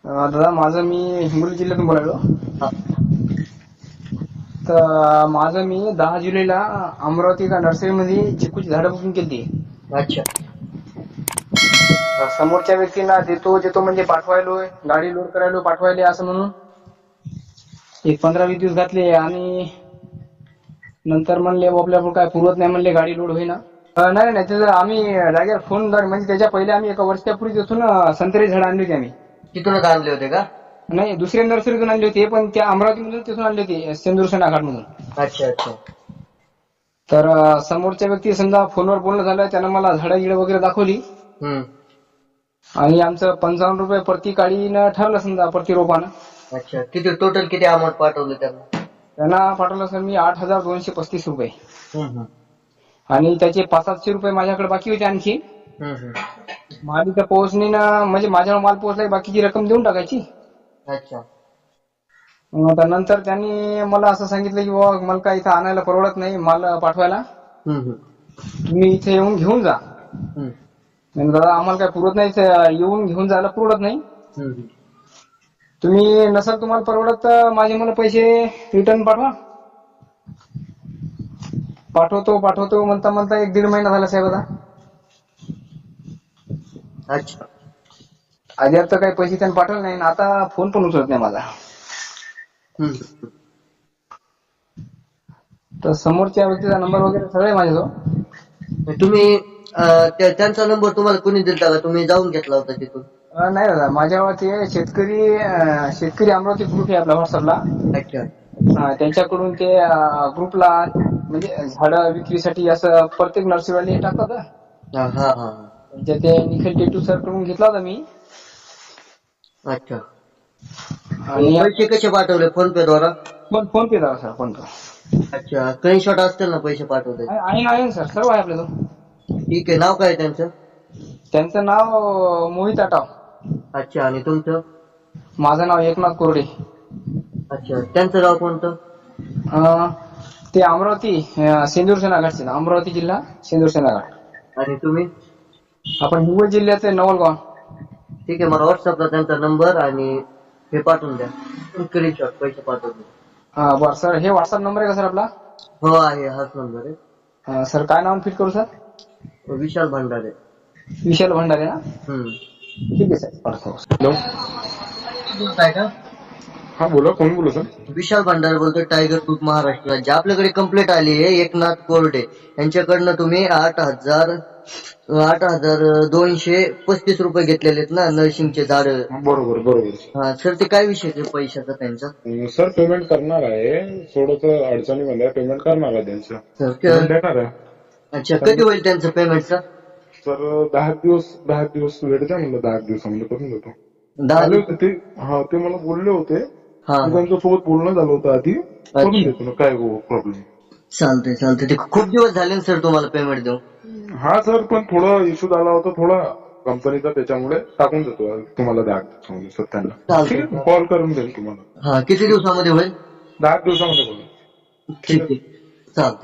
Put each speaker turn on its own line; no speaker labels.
दादा माझं मी हिंगोली जिल्ह्यातून बोलायलो.
हा.
तर माझं मी 10 जुलैला अमरावती का नर्सरीमध्ये चिकूची झाडं बुकिंग केली.
अच्छा.
समोरच्या व्यक्तींना देतो म्हणजे पाठवायलोय, गाडी लोड करायलो पाठवायले असं म्हणून एक 15-20 दिवस घातले आणि नंतर म्हणले आपल्याकडून काय पुरवत नाही म्हणले, गाडी लोड होईना. नाही त्याचं आम्ही जागेवर फोन म्हणजे त्याच्या पहिले आम्ही एका वर्षापूर्वी तिथून संत्र्याची झाडं आणली होती आम्ही.
तिथूनच आणले होते का?
नाही दुसऱ्या नर्सरीतून आणली होती, पण त्या अमरावतीमधून तिथून आणली होती, सेंदूरसेना घाटमधून.
अच्छा अच्छा.
तर समोरच्या व्यक्ती समजा फोनवर बोलणं झालं, त्यानं मला झाडं गिडं वगैरे दाखवली आणि आमचं 55 रुपये प्रति काडीनं ठरलं समजा प्रति रोपानं.
अच्छा. किती टोटल किती अमाऊंट पाठवलं
त्यांना पाठवलं सर मी 8,235 रुपये
त्यांना?
आणि त्याचे 500-700 रुपये माझ्याकडे बाकी होते आणखी. माल इथं पोहोचणे ना, म्हणजे माझ्यावर माल पोहोचला बाकीची रक्कम देऊन टाकायची.
अच्छा.
नंतर त्यांनी मला असं सांगितलं की बाबा मला काय इथं आणायला परवडत नाही माल पाठवायला, तुम्ही इथे येऊन घेऊन जा. दादा आम्हाला काय पुरत नाही, येऊन घेऊन जायला परवडत नाही. तुम्ही नसेल तुम्हाला परवडत तर माझे मला पैसे रिटर्न पाठवा. पाठवतो म्हणता 1-1.5 महिना झाला साहेब आता.
अच्छा.
आधी तर काही पैसे त्यांनी पाठवले नाही, आता फोन पण उचलत नाही माझा. तर समोरच्या व्यक्तीचा नंबर वगैरे सगळे माझ्याजवळ.
तुम्ही त्यांचा नंबर तुम्हाला कोणी दिलता का? तुम्ही जाऊन घेतला होता तिथून?
नाही दादा, माझ्यावर ते शेतकरी अमरावती ग्रुप आहे आपला व्हॉट्सअपला.
अच्छा.
त्यांच्याकडून ते ग्रुपला म्हणजे झाडं विक्रीसाठी असं प्रत्येक नर्सरीवाले टाकतात. म्हणजे ते निखिल टेटू सर कडून घेतला होता मी.
अच्छा. आणि पैसे कसे पाठवले? फोन पे द्वारा?
फोन पे दादा सर, फोन पे.
अच्छा. स्क्रीनशॉट असतील ना पैसे पाठवले?
आहे सर, सर्व आहे आपल्याजवळ.
ठीक आहे. नाव काय त्यांचं?
त्यांचं नाव मोहित आटाव.
अच्छा. आणि तुमचं?
माझं नाव एकनाथ कोरडे.
अच्छा. त्यांचं गाव कोणतं?
ते अमरावती सेंदूरसेना घाटचे, अमरावती जिल्हा सेंदूरसेना घाट.
आणि तुम्ही?
आपण हिंगोली जिल्ह्याचे नवलगाव.
ठीक आहे. मला व्हॉट्सअपला त्यांचा नंबर आणि हे पाठवून द्या, स्क्रीनशॉट पैसे पाठवून द्या.
बरं सर, हे व्हॉट्सअप नंबर आहे का सर आपला?
हो आहे, हाच नंबर आहे.
सर काय नाव फिट करू सर?
विशाल भंडारे.
विशाल भंडारे ना? ठीक आहे सर, पाठवतो.
हॅलो. काय का?
हा बोला, कोण बोलू सर?
विशाल भंडारे बोलतोय, टायगर ग्रुप महाराष्ट्र राज्य. आपल्याकडे कंप्लेंट आली आहे एकनाथ कोरडे यांच्याकडनं. तुम्ही 8,235 रुपये घेतलेले आहेत ना नर्सिंगचे झाड?
बरोबर.
हा सर, ते काय विषय आहे पैशाचा त्यांचा?
सर पेमेंट करणार आहे, थोडस अडचणीमध्ये पेमेंट करणार आहे त्यांचं.
सर
देणार आहे.
अच्छा. कधी होईल त्यांचं पेमेंटचं?
सर 10 दिवस वेळ द्या म्हणलं, 10 दिवसामध्ये करून देतो.
10
आले होते ते, ते मला बोलले होते,
हा.
त्यांच्यासोबत बोलणं झालं होतं आधी, करून देतो ना, काय प्रॉब्लेम.
चालतंय. ते खूप दिवस झाले ना सर तुम्हाला पेमेंट देऊ?
हा सर, पण थोडा इश्यू झाला होता थोडा कंपनीचा, त्याच्यामुळे टाकून देतो तुम्हाला 10 दिवसामध्ये सर त्यांना. ठीक आहे, कॉल करून देईल तुम्हाला.
हा. किती दिवसामध्ये होईल?
10 दिवसामध्ये बोला.
ठीक आहे. चालतंय.